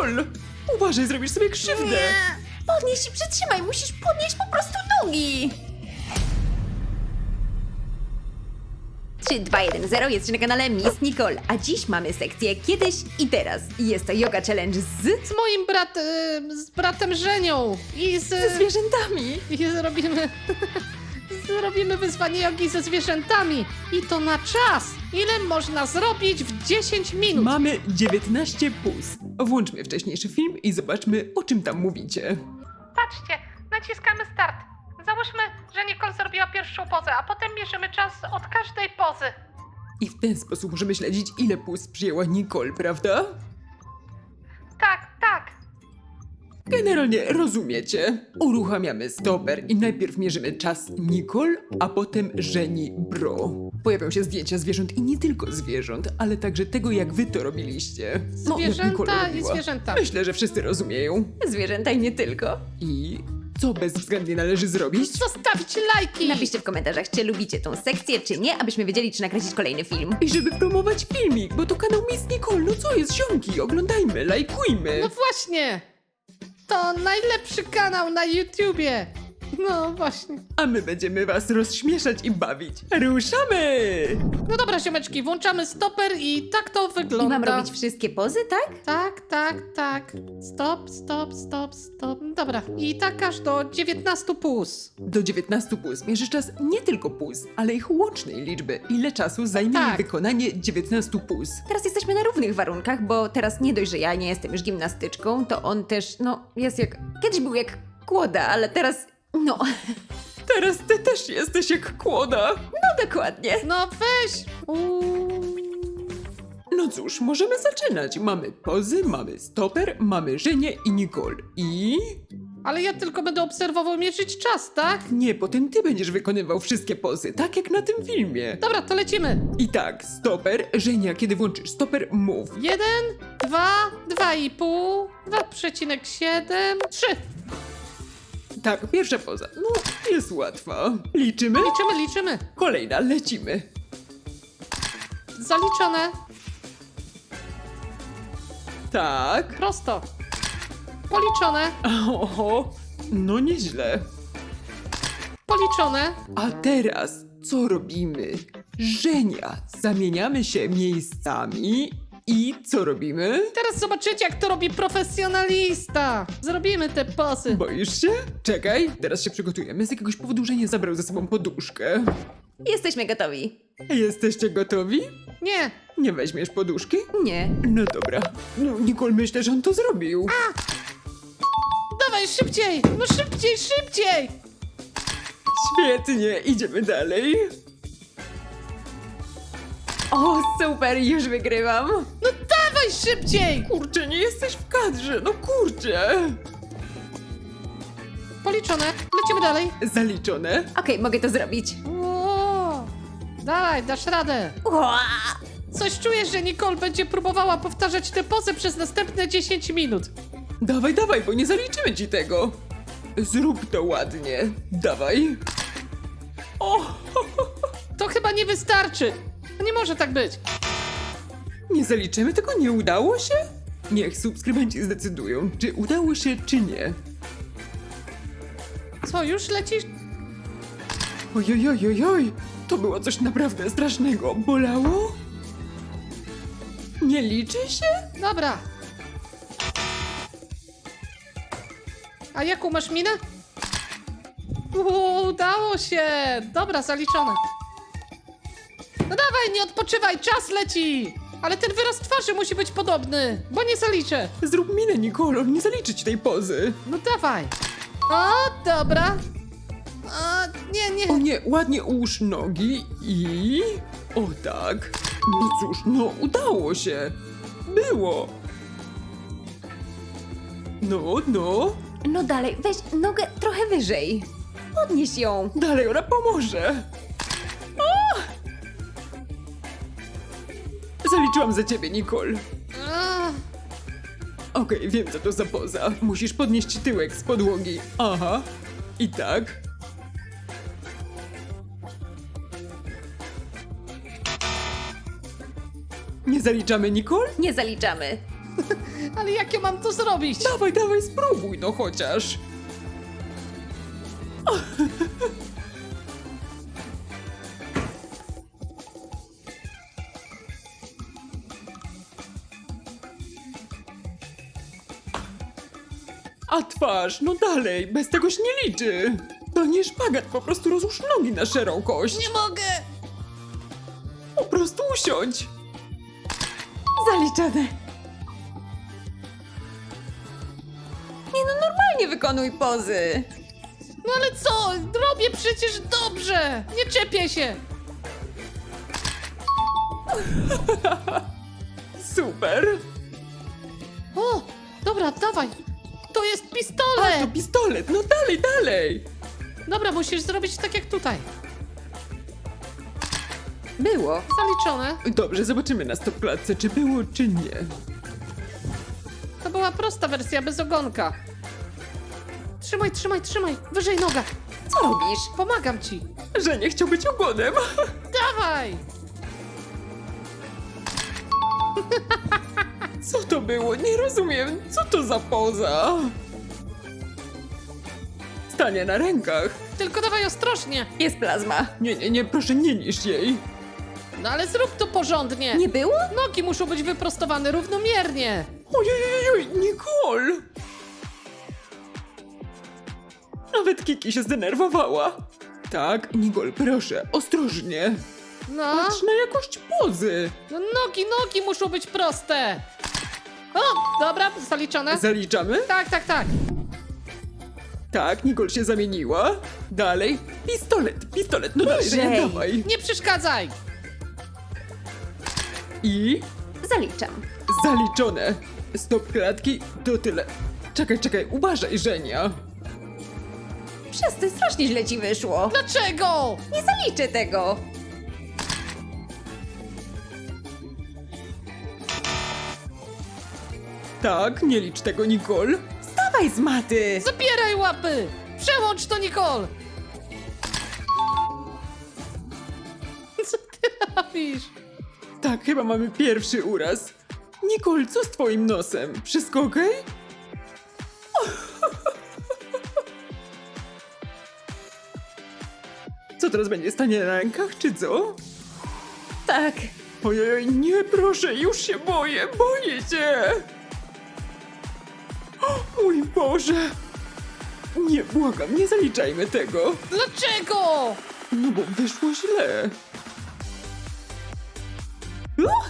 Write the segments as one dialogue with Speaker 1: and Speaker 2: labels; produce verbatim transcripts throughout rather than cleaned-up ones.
Speaker 1: Nicole! Uważaj, zrobisz sobie krzywdę!
Speaker 2: Nie. Podnieś i przytrzymaj, musisz podnieść po prostu nogi. trzy, dwa, jeden, zero, jesteś na kanale Miss Nicole, a dziś mamy sekcję Kiedyś i Teraz. I jest to yoga challenge z...
Speaker 3: Z moim brat... y, z bratem Żenią i z...
Speaker 2: ze zwierzętami.
Speaker 3: I zrobimy... zrobimy wyzwanie jogi ze zwierzętami. I to na czas. Ile można zrobić w dziesięć minut?
Speaker 1: Mamy dziewiętnaście puz. Włączmy wcześniejszy film i zobaczmy, o czym tam mówicie.
Speaker 3: Patrzcie, naciskamy start. Załóżmy, że Nicole zrobiła pierwszą pozę, a potem mierzymy czas od każdej pozy.
Speaker 1: I w ten sposób możemy śledzić, ile puz przyjęła Nicole, prawda?
Speaker 3: Tak, tak.
Speaker 1: Generalnie rozumiecie. Uruchamiamy stoper i najpierw mierzymy czas Nicole, a potem Żeni Bro. Pojawią się zdjęcia zwierząt i nie tylko zwierząt, ale także tego, jak wy to robiliście. No, jak Nicole
Speaker 3: Zwierzęta i
Speaker 1: robiła.
Speaker 3: zwierzęta.
Speaker 1: Myślę, że wszyscy rozumieją.
Speaker 2: Zwierzęta i nie tylko.
Speaker 1: I co bezwzględnie należy zrobić?
Speaker 3: Zostawić lajki.
Speaker 2: Napiszcie w komentarzach, czy lubicie tą sekcję, czy nie, abyśmy wiedzieli, czy nakręcić kolejny film.
Speaker 1: I żeby promować filmik, bo to kanał Miss Nicole, no co jest, ziomki? Oglądajmy, lajkujmy.
Speaker 3: No właśnie. To najlepszy kanał na YouTubie. No właśnie.
Speaker 1: A my będziemy was rozśmieszać i bawić. Ruszamy!
Speaker 3: No dobra, ziomeczki, włączamy stoper i tak to
Speaker 2: I
Speaker 3: wygląda.
Speaker 2: mam robić wszystkie pozy, tak?
Speaker 3: Tak, tak, tak. Stop, stop, stop, stop. Dobra. I tak aż do dziewiętnastu puz.
Speaker 1: Do dziewiętnastu puz mierzysz czas nie tylko puz, ale ich łącznej liczby. Ile czasu zajmie
Speaker 3: Tak.
Speaker 1: jej wykonanie dziewiętnastu puz?
Speaker 2: Teraz jesteśmy na równych warunkach, bo teraz nie dość, że ja nie jestem już gimnastyczką, to on też, no, jest jak... Kiedyś był jak kłoda, ale teraz... No,
Speaker 1: Teraz ty też jesteś jak kłoda.
Speaker 2: no dokładnie.
Speaker 3: No weź. Uuu.
Speaker 1: No cóż, możemy zaczynać. Mamy pozy, mamy stoper, mamy Żenię i Nicole. I...
Speaker 3: Ale ja tylko będę obserwował, mierzyć czas, tak?
Speaker 1: Nie, potem ty będziesz wykonywał wszystkie pozy, tak jak na tym filmie.
Speaker 3: Dobra, to lecimy.
Speaker 1: I tak, stoper, Żenia, kiedy włączysz stoper, mów.
Speaker 3: Jeden, dwa, dwa i pół, dwa przecinek siedem, trzy.
Speaker 1: Tak, pierwsza poza. No, jest łatwa. Liczymy?
Speaker 3: Liczymy, liczymy.
Speaker 1: Kolejna, lecimy.
Speaker 3: Zaliczone.
Speaker 1: Tak.
Speaker 3: Prosto. Policzone.
Speaker 1: Oho, no nieźle.
Speaker 3: Policzone.
Speaker 1: A teraz co robimy? Żenia, zamieniamy się miejscami i co robimy?
Speaker 3: Teraz zobaczycie, jak to robi profesjonalista. Zrobimy te pozy.
Speaker 1: Boisz się? Czekaj, teraz się przygotujemy. Z jakiegoś powodu Żenia zabrał ze sobą poduszkę.
Speaker 2: Jesteśmy gotowi.
Speaker 1: Jesteście gotowi?
Speaker 3: Nie.
Speaker 1: Nie weźmiesz poduszki?
Speaker 2: Nie.
Speaker 1: No dobra. No, Nicole, myślę, że on to zrobił.
Speaker 3: Dawaj, szybciej. No szybciej, szybciej.
Speaker 1: Świetnie, idziemy dalej.
Speaker 2: O, super, już wygrywam.
Speaker 3: No dawaj, szybciej.
Speaker 1: Kurczę, nie jesteś w kadrze, no kurczę.
Speaker 3: Policzone. Lecimy dalej.
Speaker 1: Zaliczone.
Speaker 2: Okej, mogę to zrobić.
Speaker 3: O, dawaj, dasz radę.
Speaker 2: Ua!
Speaker 3: Coś czuję, że Nicole będzie próbowała powtarzać te pozy przez następne dziesięć minut.
Speaker 1: Dawaj, dawaj, bo nie zaliczymy ci tego. Zrób to ładnie. Dawaj. O,
Speaker 3: To chyba nie wystarczy. Nie może tak być.
Speaker 1: nie zaliczymy tego? Nie udało się? Niech subskrybenci zdecydują, czy udało się, czy nie.
Speaker 3: Co, już lecisz?
Speaker 1: Ojojojojoj, to było coś naprawdę strasznego. Bolało? Nie liczy się?
Speaker 3: Dobra. A jaką masz minę? U, udało się! Dobra, zaliczone. No dawaj, nie odpoczywaj, czas leci! Ale ten wyraz twarzy musi być podobny, bo nie zaliczę.
Speaker 1: Zrób minę, Nicole, nie zaliczy ci tej pozy.
Speaker 3: No dawaj. O, dobra. O, nie,
Speaker 1: O
Speaker 3: nie.
Speaker 1: nie, ładnie ułóż nogi i... O tak. No cóż, no udało się. Było. No, no.
Speaker 2: No dalej, weź nogę trochę wyżej. Podnieś ją.
Speaker 1: Dalej, ona pomoże. O! Zaliczyłam za ciebie, Nicole.
Speaker 3: A,
Speaker 1: Okej, wiem co to za poza. Musisz podnieść tyłek z podłogi. Aha. I tak. Nie zaliczamy, Nicole?
Speaker 2: Nie zaliczamy.
Speaker 3: Ale jak ja mam to zrobić?
Speaker 1: Dawaj, dawaj, spróbuj no chociaż. A twarz, no dalej, bez tego się nie liczy. To nie szpagat, po prostu rozłóż nogi na szerokość.
Speaker 3: Nie mogę!
Speaker 1: Po prostu usiądź.
Speaker 2: Zaliczone. Nie no, normalnie wykonuj pozy.
Speaker 3: No ale co? Robię przecież dobrze! Nie czepię się!
Speaker 1: Super.
Speaker 3: O! Dobra, dawaj! To jest
Speaker 1: A, to
Speaker 3: pistolet!
Speaker 1: pistolet, no dalej, dalej.
Speaker 3: Dobra, musisz zrobić tak jak tutaj.
Speaker 2: Było.
Speaker 3: Zaliczone.
Speaker 1: Dobrze, zobaczymy na stopklatce, czy było, czy nie.
Speaker 3: To była prosta wersja bez ogonka. Trzymaj, trzymaj, trzymaj! Wyżej noga!
Speaker 2: Co robisz?
Speaker 3: Pomagam ci!
Speaker 1: Że nie chciał być ogonem.
Speaker 3: Dawaj!
Speaker 1: Co to było? Nie rozumiem. Co to za poza? Stanie na rękach.
Speaker 3: Tylko dawaj ostrożnie!
Speaker 2: Jest plazma.
Speaker 1: Nie, nie, nie, proszę, nie niż jej.
Speaker 3: No ale zrób to porządnie!
Speaker 2: Nie było?
Speaker 3: Nogi muszą być wyprostowane równomiernie!
Speaker 1: Ojej, Nicole! Nawet Kiki się zdenerwowała. Tak, Nicole, proszę, ostrożnie.
Speaker 3: No,
Speaker 1: Patrz na jakość pozy.
Speaker 3: no nogi, nogi muszą być proste! O, dobra, zaliczone.
Speaker 1: Zaliczamy?
Speaker 3: Tak, tak, tak.
Speaker 1: Tak, Nicole się zamieniła. Dalej, pistolet, pistolet, no dalej,
Speaker 2: Wyżej.
Speaker 1: Żenia, dawaj.
Speaker 3: Nie przeszkadzaj!
Speaker 1: I
Speaker 2: Zaliczam.
Speaker 1: zaliczone. Stop klatki, to tyle. Czekaj, czekaj, uważaj, Żenia.
Speaker 2: Przestań, strasznie źle ci wyszło.
Speaker 3: Dlaczego?
Speaker 2: Nie zaliczę tego.
Speaker 1: Tak, nie licz tego, Nicole.
Speaker 2: Dawaj z maty.
Speaker 3: Zabieraj łapy! Przełącz to, Nicole! Co ty robisz?
Speaker 1: Tak, chyba mamy pierwszy uraz. Nicole, co z twoim nosem? Wszystko okej? Co teraz będzie? Stanie na rękach, czy co?
Speaker 2: Tak.
Speaker 1: Ojej, nie, proszę, już się boję, boję cię! O, mój Boże! Nie, błagam, nie zaliczajmy tego,
Speaker 3: Dlaczego?
Speaker 1: no bo wyszło źle. Uch!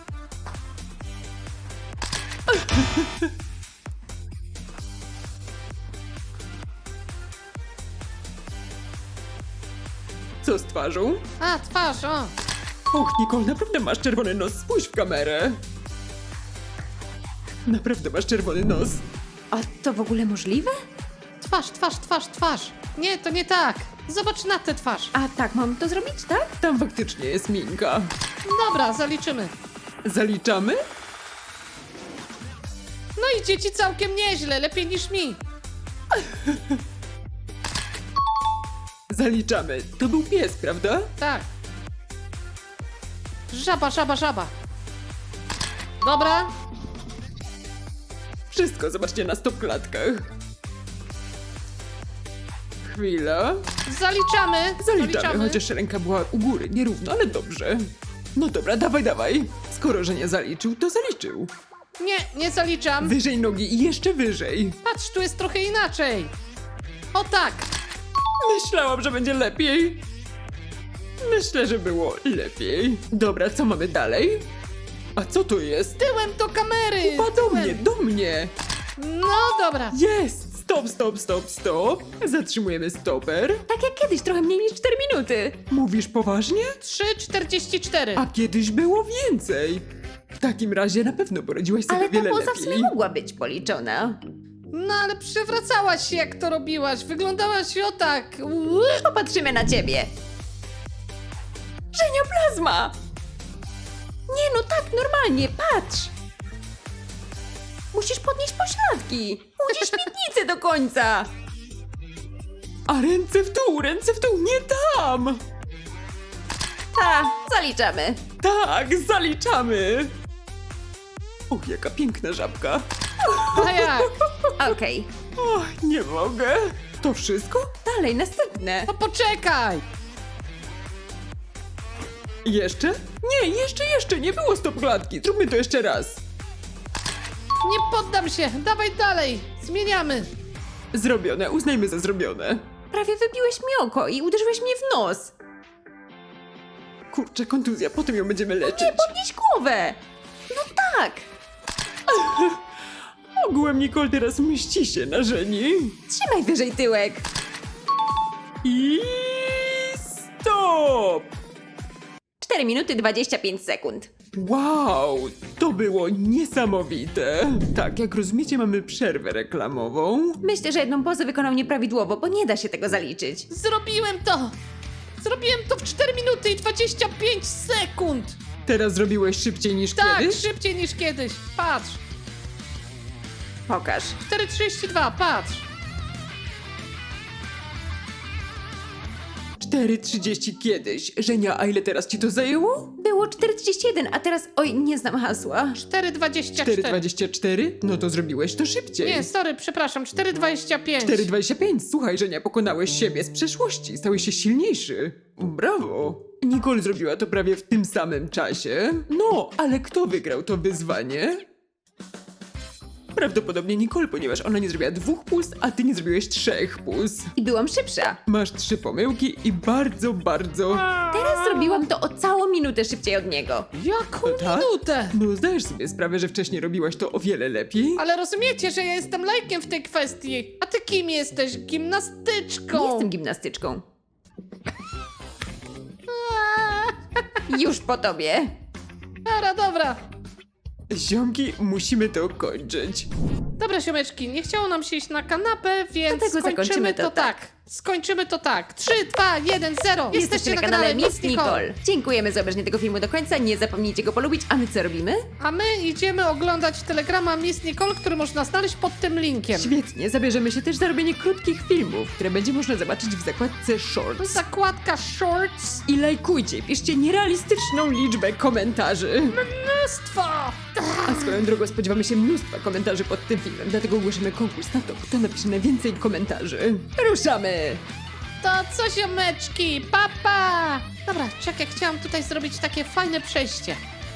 Speaker 1: Co z twarzą?
Speaker 3: A, twarz, o.
Speaker 1: Och, Nicole, naprawdę masz czerwony nos, spójrz w kamerę. Naprawdę masz czerwony nos.
Speaker 2: A to w ogóle możliwe?
Speaker 3: Twarz, twarz, twarz, twarz. Nie, to nie tak. Zobacz na tę twarz.
Speaker 2: A tak mam to zrobić, tak?
Speaker 1: Tam faktycznie jest minka.
Speaker 3: Dobra, zaliczymy.
Speaker 1: Zaliczamy?
Speaker 3: No idzie ci całkiem nieźle, lepiej niż mi.
Speaker 1: Zaliczamy. To był pies, prawda?
Speaker 3: Tak. Żaba, żaba, żaba. Dobra,
Speaker 1: Wszystko zobaczcie na stopklatkach. Chwila.
Speaker 3: zaliczamy.
Speaker 1: Zaliczamy, chociaż ręka była u góry, nierówno, ale dobrze. No dobra, dawaj, dawaj. Skoro, że nie zaliczył, to zaliczył.
Speaker 3: Nie, nie zaliczam.
Speaker 1: Wyżej nogi i jeszcze wyżej.
Speaker 3: Patrz, tu jest trochę inaczej. O tak.
Speaker 1: Myślałam, że będzie lepiej. Myślę, że było lepiej. Dobra, co mamy dalej? A co to jest?
Speaker 3: Tyłem do kamery.
Speaker 1: Chyba do
Speaker 3: tyłem.
Speaker 1: mnie, do mnie.
Speaker 3: No dobra.
Speaker 1: Jest! Stop, stop, stop, stop. Zatrzymujemy stoper.
Speaker 2: Tak jak kiedyś, trochę mniej niż cztery minuty.
Speaker 1: Mówisz poważnie?
Speaker 3: trzy czterdzieści cztery.
Speaker 1: A kiedyś było więcej. W takim razie na pewno poradziłaś sobie
Speaker 2: Ale ta
Speaker 1: wiele
Speaker 2: poza w sumie
Speaker 1: lepiej.
Speaker 2: mogła być policzona.
Speaker 3: No ale przewracałaś się jak to robiłaś. Wyglądałaś o tak. Uu.
Speaker 2: Popatrzymy na ciebie. Żenia plazma! Nie no, tak, normalnie, patrz! Musisz podnieść pośladki. Musisz śmietnicę do końca.
Speaker 1: A ręce w dół, ręce w dół, nie tam!
Speaker 2: Ta, zaliczamy.
Speaker 1: Tak, zaliczamy! Och, jaka piękna żabka.
Speaker 3: A jak?
Speaker 2: Okej,
Speaker 1: Och, nie mogę. To wszystko?
Speaker 2: dalej, następne.
Speaker 3: No poczekaj!
Speaker 1: Jeszcze? Nie, jeszcze, jeszcze. Nie było stop klatki. Zróbmy to jeszcze raz.
Speaker 3: Nie poddam się! Dawaj dalej! Zmieniamy!
Speaker 1: Zrobione. Uznajmy za zrobione.
Speaker 2: Prawie wybiłeś mi oko i uderzyłeś mnie w nos.
Speaker 1: Kurczę, kontuzja. Potem ją będziemy leczyć.
Speaker 2: Nie, podnieś głowę. No tak.
Speaker 1: Ogółem Nicole teraz mści się na Żeni.
Speaker 2: Trzymaj wyżej tyłek.
Speaker 1: I stop!
Speaker 2: cztery minuty dwadzieścia pięć sekund.
Speaker 1: Wow, to było niesamowite. Tak, jak rozumiecie, mamy przerwę reklamową.
Speaker 2: Myślę, że jedną pozę wykonał nieprawidłowo, bo nie da się tego zaliczyć.
Speaker 3: Zrobiłem to! Zrobiłem to w cztery minuty i dwadzieścia pięć sekund!
Speaker 1: Teraz zrobiłeś szybciej niż
Speaker 3: Tak,
Speaker 1: kiedyś?
Speaker 3: szybciej niż kiedyś. Patrz.
Speaker 2: Pokaż.
Speaker 3: cztery trzydzieści dwa, patrz.
Speaker 1: cztery trzydzieści kiedyś. Żenia, a ile teraz ci to zajęło?
Speaker 2: Było cztery trzydzieści jeden, a teraz... Oj, nie znam hasła.
Speaker 3: cztery dwadzieścia
Speaker 1: cztery
Speaker 3: cztery.
Speaker 1: dwadzieścia cztery? No to zrobiłeś to szybciej.
Speaker 3: Nie, sorry, przepraszam, cztery dwadzieścia pięć.
Speaker 1: cztery dwadzieścia pięć. Słuchaj, Żenia, pokonałeś siebie z przeszłości. Stałeś się silniejszy. Brawo. Nicole zrobiła to prawie w tym samym czasie. No, ale kto wygrał to wyzwanie? Prawdopodobnie Nicole, ponieważ ona nie zrobiła dwóch puls, a ty nie zrobiłeś trzech puls.
Speaker 2: I byłam szybsza.
Speaker 1: Masz trzy pomyłki i bardzo, bardzo...
Speaker 2: Teraz zrobiłam to o całą minutę szybciej od niego.
Speaker 3: Jaką
Speaker 1: Tak?
Speaker 3: minutę?
Speaker 1: No zdajesz sobie sprawę, że wcześniej robiłaś to o wiele lepiej?
Speaker 3: Ale rozumiecie, że ja jestem lajkiem w tej kwestii. A ty kim jesteś? Gimnastyczką.
Speaker 2: Nie jestem gimnastyczką. Już po tobie.
Speaker 3: Dobra, dobra.
Speaker 1: Ziomki, musimy to kończyć.
Speaker 3: Dobra, siomeczki, nie chciało nam się iść na kanapę, więc
Speaker 2: Dlatego
Speaker 3: skończymy
Speaker 2: zakończymy
Speaker 3: to
Speaker 2: to
Speaker 3: tak.
Speaker 2: tak.
Speaker 3: Skończymy to tak. trzy, dwa, jeden, zero.
Speaker 2: Jesteście na kanale Miss Nicole. Dziękujemy za obejrzenie tego filmu do końca. Nie zapomnijcie go polubić. A my co robimy?
Speaker 3: A my idziemy oglądać telegrama Miss Nicole, który można znaleźć pod tym linkiem.
Speaker 1: Świetnie, zabierzemy się też za robienie krótkich filmów, które będzie można zobaczyć w zakładce Shorts.
Speaker 3: Zakładka Shorts.
Speaker 1: I lajkujcie, piszcie nierealistyczną liczbę komentarzy.
Speaker 3: Mnóstwo!
Speaker 1: A swoją drogą spodziewamy się mnóstwa komentarzy pod tym filmem, dlatego ogłosimy konkurs na to, kto napisze najwięcej komentarzy. Ruszamy!
Speaker 3: To co, siomeczki? Papa! Pa. Dobra, czekaj, chciałam tutaj zrobić takie fajne przejście.